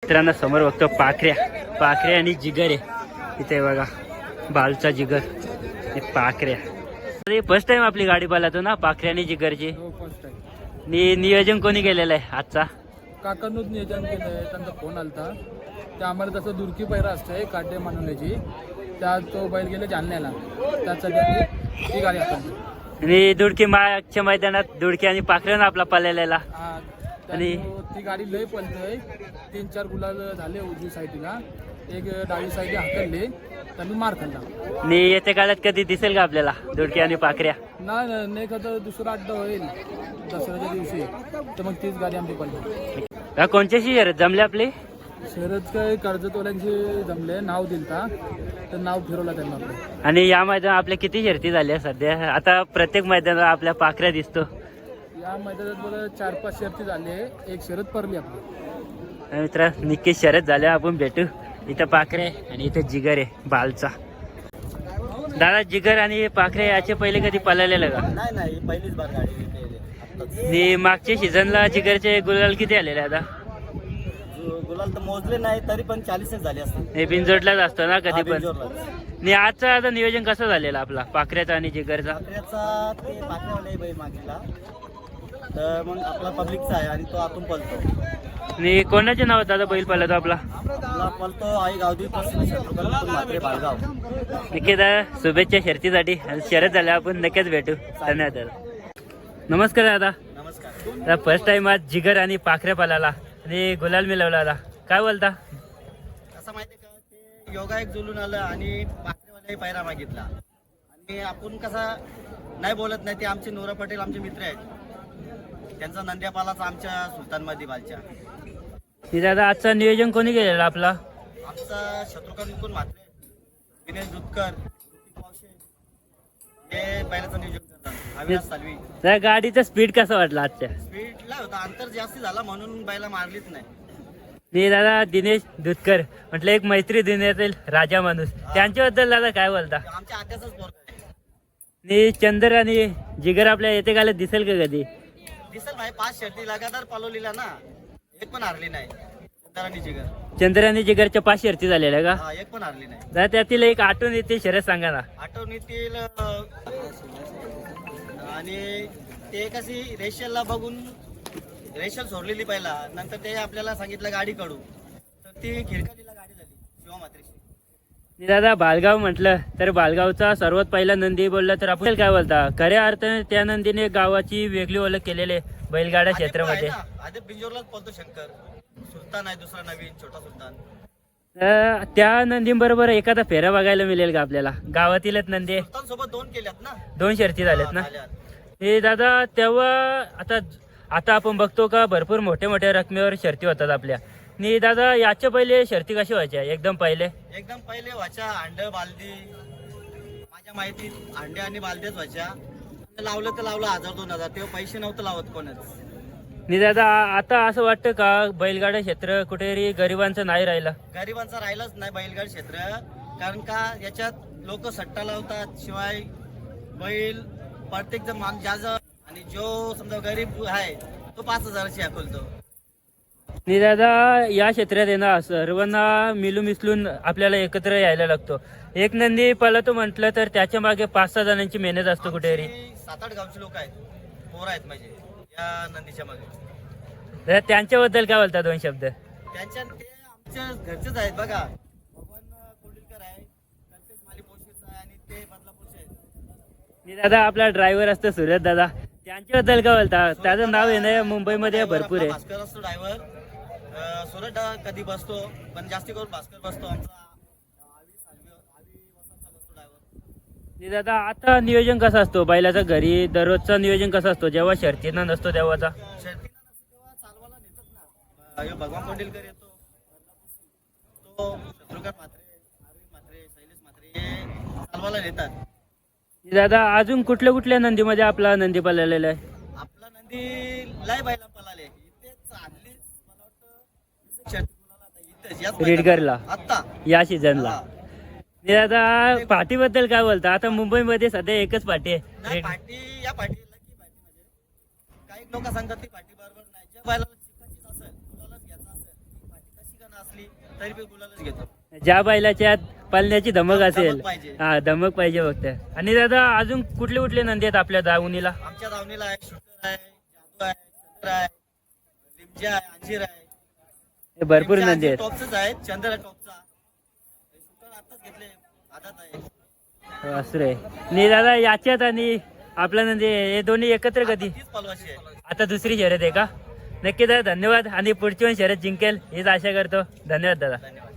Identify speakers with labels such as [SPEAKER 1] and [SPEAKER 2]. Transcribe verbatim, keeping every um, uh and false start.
[SPEAKER 1] मित्रांनो समोर बघतो पाखऱ्या पाखऱ्या आणि जिगर आहे इथे बघा. बालचा जिगर हे पाखऱ्या. फर्स्ट टाइम आपली गाडी पालातो ना पाखऱ्या आणि जिगरची. नि नियोजन कोणी केलेलं आहे आजचा?
[SPEAKER 2] काकांनूच नियोजन केलंय. त्यांचा फोन आलता. ते आम्हाला तसं दुरकी पैरा असते काटे मानवण्याची. त्या तो बैल गेले जालन्याला. त्यासाठी ती गाडी आपण
[SPEAKER 1] आणि दुडकी मागच्या मैदानात दुडकी आणि पाखऱ्यानं आपला पालेलेला.
[SPEAKER 2] आणि ती गाडी लय पलतोय. तीन चार गुलाल झाले उजवी साईडला. एक डावी साईड हाकलले त्यांनी मार खाल्ला.
[SPEAKER 1] आणि येत्या काळात कधी दिसेल का आपल्याला दुडकी आणि पाखऱ्या?
[SPEAKER 2] नाही नाही का दुसरा अड्डा होईल दसऱ्याच्या दिवशी तर मग तीच गाडी आमची पडली.
[SPEAKER 1] कोणत्याशी शर्यत जमले आपले?
[SPEAKER 2] शर्यत काय कर्जतवाल्यांची जमले. नाव दिलता तर नाव फिरवला त्यांना आपलं.
[SPEAKER 1] आणि या मैदानात आपल्या किती शर्ती झाल्या सध्या? आता प्रत्येक मैदानात आपल्या पाखऱ्या दिसतो.
[SPEAKER 2] या मैदानात मला चार पाच शर्ती झाले. एक शर्यत पडली आपली.
[SPEAKER 1] मित्र नक्की शर्यत झाल्या आपण भेटू. इथं पाखरे आणि इथं जिगर आहे बालचा. दादा जिगर आणि पाखरे याचे पहिले कधी पळालेलं का?
[SPEAKER 3] नाही नाही पहिलीच बार गाडी.
[SPEAKER 1] आणि मागच्या सीझनला जिगरचे गुलाल किती आलेले आता?
[SPEAKER 3] गुलाल तर मोजले नाही तरी पण चाळीसच झाले असतात.
[SPEAKER 1] हे बिनजोडलाच असतो ना कधी पण.
[SPEAKER 3] बिनजोडलाच.
[SPEAKER 1] आणि आजचा आता नियोजन कसं झालेलं आपला पाखऱ्याचा आणि जिगरचा?
[SPEAKER 3] पाखऱ्याचा ते पाखऱ्यावाला बैल मागितला तर मग आपला पब्लिकचा आहे आणि तो आतून पळतो.
[SPEAKER 1] आणि कोणाच्या नावात दादा बैल पळतो आपला?
[SPEAKER 3] आपला पळतो आई गावदी पासून शत्रुघ्न म्हात्रे बाळगाव.
[SPEAKER 1] नक्की दादा शुभेच्छा शर्तीसाठी. आणि शर्यत झाल्या आपण नक्कीच भेटू. धन्यवाद दादा. नमस्कार दादा.
[SPEAKER 3] नमस्कार.
[SPEAKER 1] फर्स्ट टाइम आज जिगर आणि पाखऱ्या पालाला आणि गुलाल मिळवला दादा, काय बोलता?
[SPEAKER 3] असं माहिती का ते योगा एक जुलून आलं आणि पाखरेवाल्याही पायरा मागितला. आणि आपण कसा नाही बोलत नाही. ते आमचे नोरा पटेल आमचे मित्र आहेत. त्यांचा नंद्यापालाचा आमच्या सुलतानमध्ये बालच्या.
[SPEAKER 1] ती दादा आजचं नियोजन कोणी केलेलं आपला?
[SPEAKER 3] आमचा शत्रुघ्न म्हात्रे, विनेश दुधकर, हे बैलाचं नियोजन करतात. अविनाश सालवी.
[SPEAKER 1] त्या गाडीचा स्पीड कसा वाटला आजच्या?
[SPEAKER 3] स्पीडला होता. अंतर जास्त झाला म्हणून बैला मारलीच नाही.
[SPEAKER 1] मी दादा दिनेश दुधकर म्हटलं एक मैत्री दिनेतील राजा माणूस, त्यांच्याबद्दल दादा काय बोलता?
[SPEAKER 3] आमच्या आत्याचाच पोरगा आहे.
[SPEAKER 1] आणि चंदर आणि जिगर आपल्या येते काला दिसेल का कधी?
[SPEAKER 3] दिसेल भाई. पाच शर्ती लगातार पालवलेला ना, एक पण हारली नाही. चंद्रानी जिगर
[SPEAKER 1] चंद्र आणि जिगरच्या पाच शर्ती झालेल्या का?
[SPEAKER 3] हा, एक पण हारली नाही.
[SPEAKER 1] दादा त्यातील एक आठवण येते शर्यत सांगा ना.
[SPEAKER 3] आठवणीतील आणि ते कशी रेशलला बघून रेशल सोडलेली पहिला. नंतर ते आपल्याला सांगितलं गाडी काढू तर ती खिरकालीला गाडी झाली शिवा मात्रेची.
[SPEAKER 1] दादा बालगाव म्हटलं तर बालगावचा सर्वात पहिला नंदी बोलला तर आपण काय बोलता? खऱ्या अर्थाने त्या नंदीने गावाची वेगळी ओळख केलेली आहे बैलगाडा क्षेत्रामध्ये.
[SPEAKER 3] आधी बिंजोरलाच पळतो शंकर. सुलतान आहे दुसरा नवीन छोटा सुलतान.
[SPEAKER 1] अं, त्या नंदीबरोबर एखादा फेरा बघायला मिळेल का आपल्याला? गावातीलच नंदी
[SPEAKER 3] सुलतान सोबत दोन केल्यात ना.
[SPEAKER 1] दोन शर्ती झाल्यात ना.
[SPEAKER 3] झाल्यात.
[SPEAKER 1] हे दादा तेव्हा आता आता आपण बघतो का भरपूर मोठ्या मोठ्या रकमेवर शर्ती होतात आपल्या. आणि दादा याच्या पहिले शर्ती कशी व्हायच्या? एकदम पहिले
[SPEAKER 3] एकदम पहिले व्हायच्या अंड बालदी. माझ्या माहितीत अंडे आणि बालद्याच व्हायच्या. लावलं तर लावलं हजार दोन हजार. तेव्हा पैसे नव्हतं लावत कोणच.
[SPEAKER 1] आणि दादा आता असं वाटतं का बैलगाडा क्षेत्र कुठेतरी गरिबांचं नाही राहिलं?
[SPEAKER 3] गरिबांचा राहिलाच नाही बैलगाड क्षेत्र. कारण का याच्यात लोक सट्टा लावतात. शिवाय बैल प्रत्येक जण मान ज्या आणि जो समजा गरीब आहे तो पाच हजाराची हाकलतो.
[SPEAKER 1] आणि दादा या क्षेत्रात आहे ना सर्वांना मिळून मिसळून आपल्याला एकत्र यायला लागतो. एक नंदी पळतो म्हटलं तर त्याच्या मागे पाच सहा जणांची मेहनत असतो कुठेतरी.
[SPEAKER 3] सात आठ गावचे लोक आहेत, पोरं आहेत म्हणजे या नंदीच्या मागे.
[SPEAKER 1] दादा त्यांच्याबद्दल काय बोलता दोन शब्द?
[SPEAKER 3] त्यांच्या ते आमच्या घरचेच आहेत बघा. भगवान कोंडिलकर आहे, कल्पेश माली पोशीचा आहे आणि ते बदलापूरचे आहेत.
[SPEAKER 1] आणि दादा आपला ड्रायव्हर असतो सुरत दादा, त्यांच्याबद्दल काय बोलता? त्याचं नाव आहे ना मुंबईमध्ये भरपूर आहे.
[SPEAKER 3] भास्कर असतो ड्रायव्हर. सुरत कधी बसतो पण जास्ती करून भास्कर बसतो. आमचा
[SPEAKER 1] आणि दादा आता नियोजन कसं असतो बैलाचं घरी? दररोजचा नियोजन कसं असतो जेव्हा शर्तीनं नसतो तेव्हाचा?
[SPEAKER 3] शर्तीनं नसतो तेव्हा चालवायला नेतात ना. ह्यो भगवान कोंडिलकर येतो, तो शत्रुघ्न म्हात्रे, अरविंद म्हात्रे, शैलेश म्हात्रे हे चालवायला नेतात.
[SPEAKER 1] आणि दादा अजून कुठल्या कुठल्या नंदीमध्ये आपला नंदी पळलेला आहे?
[SPEAKER 3] आपला नंदी लय बैला पळाले. इथेच आणलीच मला वाटतं शर्ती बोलायला आता इथेच याच
[SPEAKER 1] रेडगरला
[SPEAKER 3] आता
[SPEAKER 1] या सीझनला.
[SPEAKER 3] हा.
[SPEAKER 1] आणि दादा पाठीबद्दल काय बोलता? आता मुंबईमध्ये सध्या एकच पाठी आहे.
[SPEAKER 3] नाही पार्टी या पार्टी लकी पार्टी म्हणजे काही लोक सांगतात ती पार्टी बरोबर नाही. ज्या बैलाला शिकायचीच असेल, मुलालाच घ्यायचं असेल ती पार्टी कशी करणार असली तरी पण गुलालच घेतो.
[SPEAKER 1] ज्या बैलाच्या पळण्याची धमक असेल,
[SPEAKER 3] धमक पाहिजे.
[SPEAKER 1] हा धमक पाहिजे फक्त. आणि दादा अजून कुठले कुठले नंदी आहेत आपल्या दावणीला?
[SPEAKER 3] आमच्या दावणीला आहे शूटर आहे, जादू आहे, चंद्र आहे, लिमजा आहे, अंजीर आहे.
[SPEAKER 1] हे भरपूर
[SPEAKER 3] लिमजा,
[SPEAKER 1] नंदी
[SPEAKER 3] अंजीर
[SPEAKER 1] आहेत.
[SPEAKER 3] टॉपचंच आहे, चंद्र टॉपचा. शूटर आताच घेतले, आदात आहे.
[SPEAKER 1] असं आहे. आणि दादा याच्यात आणि आपला नंदी हे दोन्ही एकत्र कधी?
[SPEAKER 3] तीच पलवाशी आहे.
[SPEAKER 1] आता दुसरी शर्यत आहे का? नक्की दादा धन्यवाद. आणि पुढची पण शर्यत जिंकेल हीच आशा करतो. धन्यवाद दादा.
[SPEAKER 3] धन्यवाद.